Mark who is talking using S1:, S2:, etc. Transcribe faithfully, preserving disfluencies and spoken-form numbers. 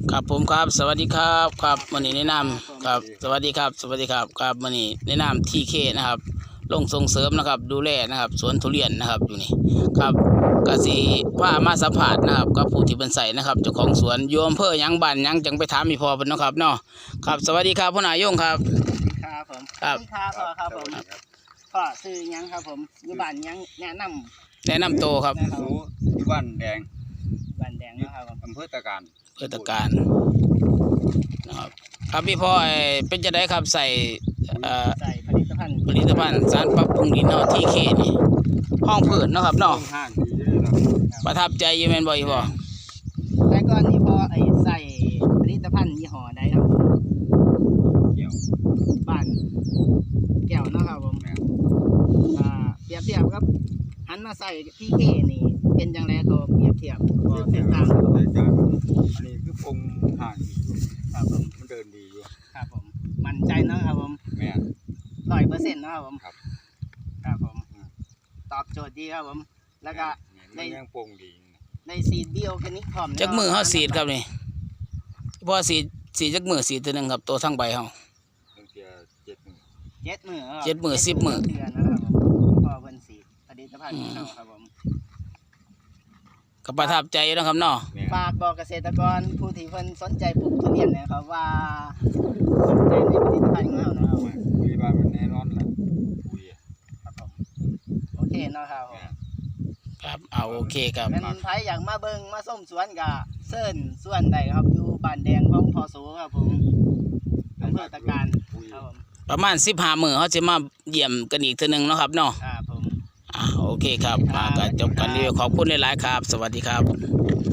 S1: ครับผมครับสวัสดีครับครับวันนี้แนะนำครับสวัสดีครับสวัสดีครับครับวันนี้แนะนำทีเคนะครับลงส่งเสริมนะครับดูแลนะครับสวนทุเรียนนะครับอยู่นี่ครับกสิว่ามาสัมผัสนะครับกับผู้ที่เป็นใส่นะครับเจ้าของสวนโยมเพื่อยังบ้านยังจังไปถามมีพอเป็นนะครับเนาะครับสวัสดีครับพ่อหนายงครับ
S2: ครับผม
S1: ครับ
S2: ครับพ่อครับผมพ่อซื้อยังครับผมอยู่บ้านยังแนะนำ
S1: แนะนำโตวครับ
S2: นะครับ
S3: สูที่บ้านแดง
S2: บ้านแดงนะครับผม
S3: อำเภอตะการ
S1: เพื่อตการนะครับครับพี่พ่อเอ่อเป็นจะได้ครับใส่เอ่อ
S2: ใส่ผลิตภัณฑ์
S1: ผลิตภัณฑ์สารปรับปรุงดินเนาะทีเคนี่ห้องพืชเนาะครับเนาะ
S3: ห้างดีเลยนะ
S1: ประทับใจอยูแมนบ่อยพ่อ
S2: แต่ก่อนนี้พอไอ้ใส่ผลิตภัณฑ์ยี่ห้อใดครับผม
S3: เกี่ยว
S2: บ้านแก้วเนาะครับผม
S3: แม่
S2: อ่าเปรียบเทียบครับหันมาใส่ที่เคนี่เป็นจังไรเขาเปรียบเทียบพอแตกต่างครับผม
S3: รายการอันนี้คือปงห่างดีอยู่
S2: ครับผม
S3: มันเดินดีอยู่
S2: ครับผมมั่นใจเนาะครับผม
S3: แม่
S2: ร้อยเปอร์เซ็นต์นาะครับผม
S3: ครับ
S2: ครับผมตอบโจทย์ดีครับผมแล้วก็
S3: มันยังปงดี
S2: ในซีดบิโอแคนิกพร้อม
S1: จักมือเฮาสีดครับนี่พ่อสีดสีจักมือสีดตัวหนึงครับตัวทั้งใบเฮา
S3: ตั้งแต่เจ็ดหนึ่ง
S2: เจ็ดมือครับ
S1: เจ็ดมื้อสิบมื้อ
S2: เดือนนะครับผมพอเพิ่นสีดผลิตภัณฑ์ของเราครับผม
S1: ก็ประทับใจอยู่นะครับเนาะ
S3: แม่
S2: ฝากบอกเกษตรกรผู้ที่เพิ่นสนใจปลูกทุเรียนนะครับว่าสนใจในผลิตภัณฑ์ของเรานะครับผม
S3: คุยบ้านมันแน่นอนแหละคุย
S2: ครับผมโอเคเนาะครับผม
S3: แม่
S1: ครับเอาโอเคครับ
S2: เป็นไผอยากมาเบิ่งมาส้มสวนกับเซิร์นสวนใดครับอยู่บ้านแดงของพอสูครับผมอำเภอตะการ
S3: คุย
S2: ครับผม
S1: ประมาณสิบห้ามื้อเฮาสิมาเยี่ยมกันอีกเทื่อหนึงเนาะครับเนาะ
S2: ครับผม
S1: อ่าโอเคครับมาก็จบกันรีวิวขอบคุณหลายๆครับ สวัสดีครับ